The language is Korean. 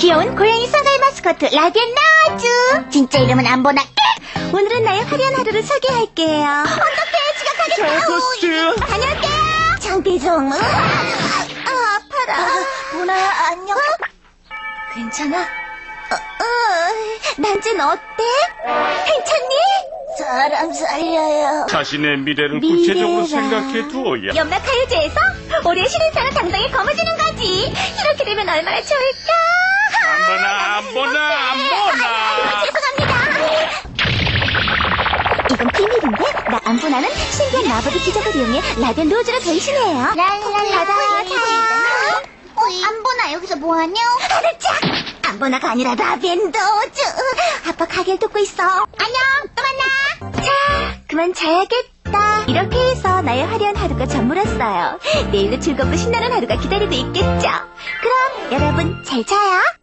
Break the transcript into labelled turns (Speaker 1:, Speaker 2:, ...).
Speaker 1: 귀여운 고양이 쌍알 마스코트 라디언 나와주. 진짜 이름은 안 보나? 오늘은 나의 화려한 하루를 소개할게요. 어떡해, 지각하겠다.
Speaker 2: 아저씨.
Speaker 1: 다녀올게요. 장비종. 아파라. 보나, 안녕. 괜찮아? 난진 어때? 괜찮니? 사람 살려요.
Speaker 2: 자신의 미래를 구체적으로 생각해 두어야.
Speaker 1: 연말 가요제에서 올해 신인상을 당당히 거머쥐는 거지. 이렇게 되면 얼마나 좋을까?
Speaker 2: 안 보나.
Speaker 1: 죄송합니다. 이건 비밀인데 나 안보나는 신기한 마법의 기적을 이용해 라디언 로즈로 변신해요. 랄랄라다. 안보나 여기서 뭐하냐? 알았자. 안보나가 아니라 라디언 로즈. 아빠 가게를 돕고 있어. 안녕. 또 만나. 자, 그만 자야겠다. 이렇게 해서 나의 화려한 하루가 저물었어요. 내일도 즐겁고 신나는 하루가 기다리고 있겠죠. 그럼 여러분 잘 자요.